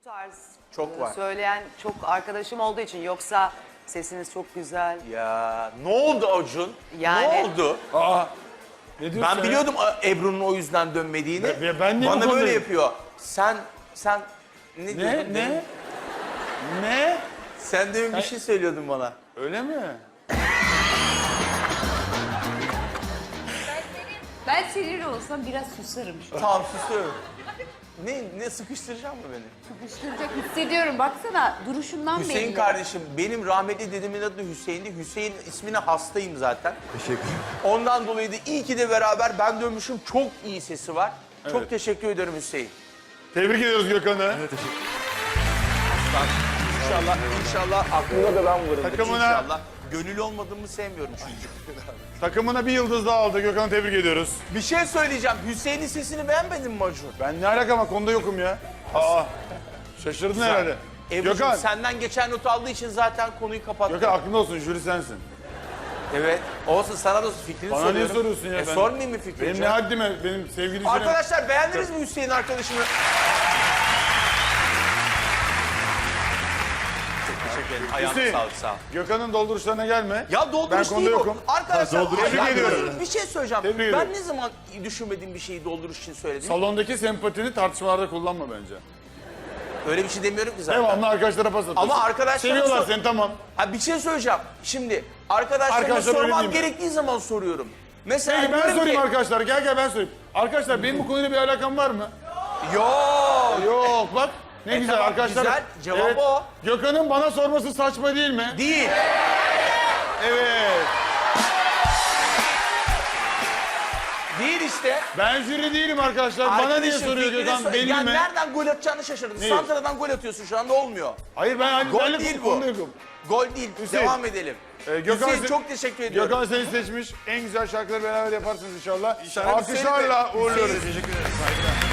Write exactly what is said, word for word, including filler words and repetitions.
tarz Çok var. söyleyen çok arkadaşım olduğu için, yoksa sesiniz çok güzel. Ya ne oldu Acun? Yani- Ne oldu? Aa. Ne diyorsun Ben sen biliyordum Ebru'nun o yüzden dönmediğini. Ben- ben niye bu Bana konuda- böyle yapıyor. Sen, sen ne, ya? diyordun? Ne? Ne? Ne? Sen demin bir şey söylüyordun bana. Öyle mi? Ben sinirli olsam biraz susarım şu an. Tamam susuyorum. Ne, ne sıkıştıracak mı beni? Sıkıştıracak hissediyorum. Baksana duruşundan belli. Hüseyin kardeşim, benim rahmetli dedemin adı Hüseyin'di. Hüseyin ismine hastayım zaten. Teşekkür ederim. Ondan dolayı da iyi ki de beraber ben dönmüşüm. Çok iyi sesi var. Çok Evet. teşekkür ederim Hüseyin. Tebrik ediyoruz Gökhan'ı. Bak, İnşallah, inşallah aklında da ben varım. Takımına- İnşallah. Gönül olmadığımı sevmiyorum çünkü. Takımına bir yıldız daha aldı. Gökhan'ı tebrik ediyoruz. Bir şey söyleyeceğim. Hüseyin'in sesini beğenmedin mi Acun? Ben ne alakam var? Konuda yokum ya. Aa. Şaşırdın herhalde. Ebru'cum Gökhan. senden geçen not aldığı için zaten konuyu kapattım. Gökhan aklında olsun. Jüri sensin. Evet. Olsun, sana da fikrini Bana soruyorum. niye soruyorsun ya? E, Ben- sormayayım mı fikrini? Benim ne canım? haddime? Benim sevgili jürim. Arkadaşlar beğendiniz mi Hüseyin arkadaşımı? Çok teşekkür ederim. Ayağına Hüseyin. sağlık, sağ ol. Gökhan'ın dolduruşlarına gelme. Ya dolduruş Ben değil konuda bu. yokum. Arkadaşlar Tebrik ya, ediyorum. bir şey söyleyeceğim. Tebrik ben ediyorum. ne zaman düşünmediğim bir şeyi dolduruş için söyledim? Salondaki sempatini tartışmalarda kullanma bence. Öyle bir şey demiyorum ki zaten. Devamlı arkadaşlara pas atıyorsun. Ama arkadaşlar Seviyorlar sor- seni, tamam. Ha bir şey söyleyeceğim. Şimdi arkadaşlarıma Arkadaşlar öyle sormam değil mi? gerektiği zaman soruyorum. Mesela Peki ben diyorum sorayım ki, arkadaşlar. Gel gel ben sorayım. Arkadaşlar benim bu konuyla bir alakam var mı? Yok. Yok bak. Ne E güzel tamam, arkadaşlar. güzel. Cevabı o. Gökhan'ın bana sorması saçma değil mi? Değil. Evet. Değil işte. Ben jüri değilim arkadaşlar. Bana niye Arkadaşım, soruyor fikrini Gökhan? sor- Belli yani mi? nereden gol atacağını şaşırdın. Neyi? Santra'dan gol atıyorsun şu anda olmuyor. Hayır ben hani Gol benle değil bu bu. konuda yokum. Gol değil. Hüseyin. Devam edelim. Ee, Gökhan Hüseyin se- çok teşekkür ediyorum. Gökhan seni seçmiş. En güzel şarkıları beraber yaparsınız inşallah. İnşallah. Alkışlarla Hüseyin Bey. uğurluyoruz. Hüseyin. Teşekkür ederim. Saygılar.